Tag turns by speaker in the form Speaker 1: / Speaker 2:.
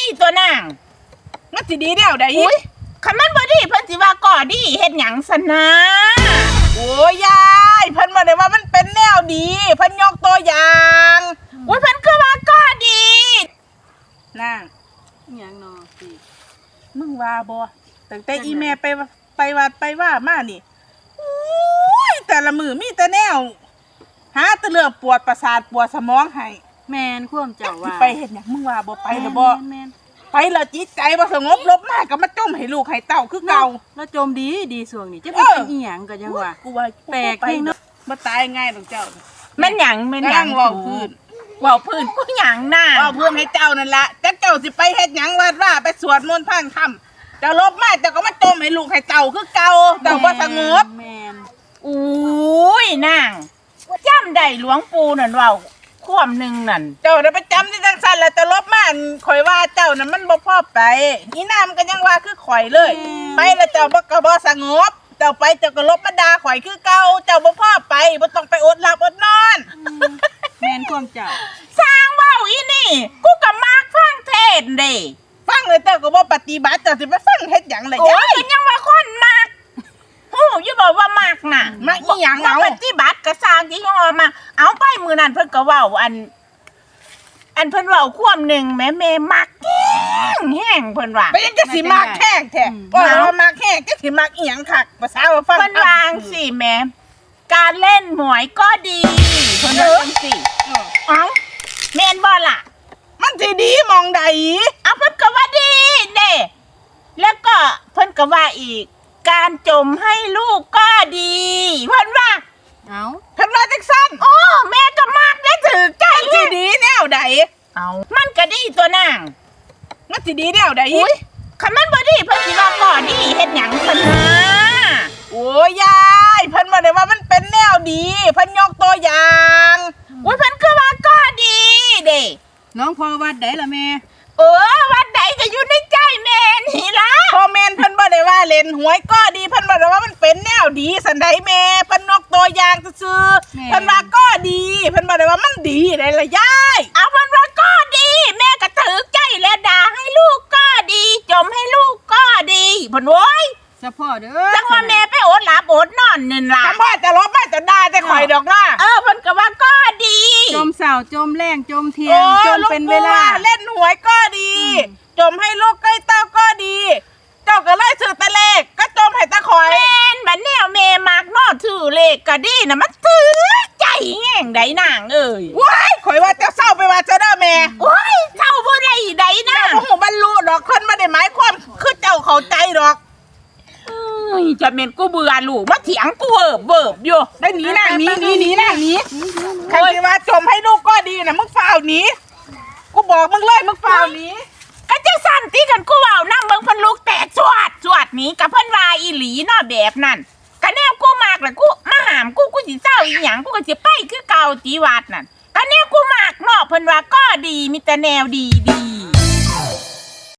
Speaker 1: ตัวนาง
Speaker 2: มันสิดีแนวใด
Speaker 1: คันมันบ่ดีเพิ่นสิว่าก่อดีเฮ็ดหยังซะนะ
Speaker 2: โอ้ยยายเพิ่นบ่ได้ว่ามันเป็นแนวดีเพิ่นยกตัวอย่าง
Speaker 1: เพิ่นคือว่าก่อดี
Speaker 2: นาง
Speaker 3: หยังนอสิ
Speaker 2: มึงว่าบ่ตั้งแต่อีแม่ไปวัดไปว่ามานี่แต่ละมือมีแต่แนวหาแต่เรื่องปวดประสาทปวดสมองให้
Speaker 3: แม่นความเจ้าว่า
Speaker 2: ไปเฮ็ดหยังมึงว่าบ่ไปหรือบ่
Speaker 3: แม่น
Speaker 2: ไปแล้วจิตใจบ่สงบลบมากก็มาจมให้ลูกให้เต้าคือเก่า
Speaker 3: แล้วจมดีช่วงนี้จะเป็นอีหยังก็ยังว่า
Speaker 2: กูว่า
Speaker 3: แปลกเองเนาะ
Speaker 2: บ่ตายง่ายดอกเจ้า
Speaker 1: แม่นหยังเว้าพื้นกูหยังน่ะ
Speaker 2: เว้าพื้นให้เจ้านั่นล่ะจักเจ้าสิไปเฮ็ดหยังวัดว่าไปสวดมนต์พังธรรมเจ้าลบมาเจ้าก็มาจมให้ลูกให้เต้าคือเก่าเจ้าบ่สงบ
Speaker 3: แม่น
Speaker 1: อุ้ยนางจำได้หลวงปู่นั่นเว้าความหนึ่งนั่น
Speaker 2: เจ้าน่ะไปจำที่จังซั่นแล้วแต่ลบมาข่อยว่าเจ้าน่ะมันบ่พอไปอีน้ำก็ยังว่าคือข่อยเลยไปแล้วเจ้าบ่สงบเจ้าไปเจ้าก็ลบมาด่าข่อยคือเก่าเจ้าบ่พอไปบ่ต้องไปอดหลับอดนอน
Speaker 3: แม่นความเจ้า
Speaker 1: สร้างเว้าอีนี่กูก็มักฟังเทศน์เด้
Speaker 2: ฟังเลยเจ้าก็บ่ปฏิบัติเจ้าสิไปฟังเฮ็ดหยังล่ะยาย
Speaker 1: ยังว่าคนมักฮู้อยู่บ่ว่ามักน่ะ
Speaker 2: มักอีหยังเอา
Speaker 1: ปฏิบัติก็สร้างที่ว่ามาเอาไปมื้อนั้นเพิ่นก็เว้าอันเพิ่นเว้าความหนึ่งแม่มักแห้งเพิ่นว่า
Speaker 2: ไปยังจะสิมักแห้งแท้ว่ามักแห้งจะสิมักอีหยังคักภาษาว่าฟัง
Speaker 1: เพิ่นวางสิแม่การเล่นหวยก็ดีเพิ่นว่าจังซี่เอ้าแม่นบ่ล่ะ
Speaker 2: มันสิดีมองใด
Speaker 1: เอาเพิ่นก็ว่าดีเด้แล้วก็เพิ่นก็ว่าอีกการจมให้ลูกก็ดีเพิ่นว่า
Speaker 3: เอา
Speaker 2: เพิ่นว่าจังซั่น
Speaker 1: โอ้แม่ก็มักได้ถือใจ
Speaker 2: สิดีแนวใด
Speaker 1: เอามันก็ดีตัวนาง
Speaker 2: มันสิดีแนวใด
Speaker 1: คันมันบ่ดีเพิ่นสิว่าก่อดีเฮ็ดหยังซะนะ
Speaker 2: โอ้ยยายเพิ่นบ่ได้ว่ามันเป็นแนวดีเพิ่นยกตัวอย่าง
Speaker 1: เพิ่นคือว่าก่อดีเด้
Speaker 3: น้องพ่อวัดได้ล่ะแม่
Speaker 1: วัดใดก็อยู่ในใจแม่นี่ล่ะ
Speaker 2: พ่อแม่นเพิ่นบ่ได้ว่าเล่นหวยก็ดีเพิ่นบ่ได้ว่ามันเป็นแนวดีสันใดแม่เพิ่นยกตัวอย่างซื่อๆเพิ่นว่าก็ดีเพิ่นบ่ได้ว่ามันดีได้ล่ะยาย
Speaker 1: เอาเพิ่นว่าก็ดีแม่ก็ถือใจแล้วด่าให้ลูกก็ดีจมให้ลูกก็ดีเพิ่นโว้ย
Speaker 3: เฉพาะเด้อ
Speaker 1: จังว่าแม่ไปอดหลับอดนอนนั่นล่ะ
Speaker 2: คำพ่อจะลบมาจะด่าจะข่อยดอกนะ
Speaker 1: เพิ่นก็ว่าก็ดี
Speaker 3: จมเสาจมแรงจมเที่ยงจมเป็นเวลา
Speaker 2: เล่นหวยก็ดีจมให้ลูกใกล้เต้าก็ดีเจ้าก็เลยซื้อแต่เลขก็จมให้ตะข่อย
Speaker 1: แม่นบัดแนวแม่มักนอถือเลขก็ดีน่ะมันถือใจแห้งใดนางเอ้ย
Speaker 2: ว้ายข่อยว่าเจ้าเศร้าไปว่าเจ้าเด้อแม่
Speaker 1: โอ้ยเศร้าบ่ได้ใดนาง
Speaker 2: บ่ฮู้บรรลุดอกคนบ่ได้หมายความคือเจ้าเข้าใจดอก
Speaker 1: จะเม็นกูเบื่อลูกมาเถียงกูเบิบอยู่
Speaker 2: ได้หนีนางหนีนางหนีใครว่าจมให้ลูกก็ดีนะมึงฝ่าวหนีกูบอกมึงเลยมึงฝ่าวหนี
Speaker 1: ก็จะสั่นตีกันกูเว้านำเบิ่งเพิ่นลูกแตกสวดหนีกับเพิ่นว่าอีหลีเนาะแบบนั้นก็แนวกูมากล่ะกูมาหามกูสิเศร้าอีหยังกูก็สิไปคือเก่าติวัดนั่นก็แนวกูมากเนาะเพิ่นว่าก็ดีมีแต่แนวดี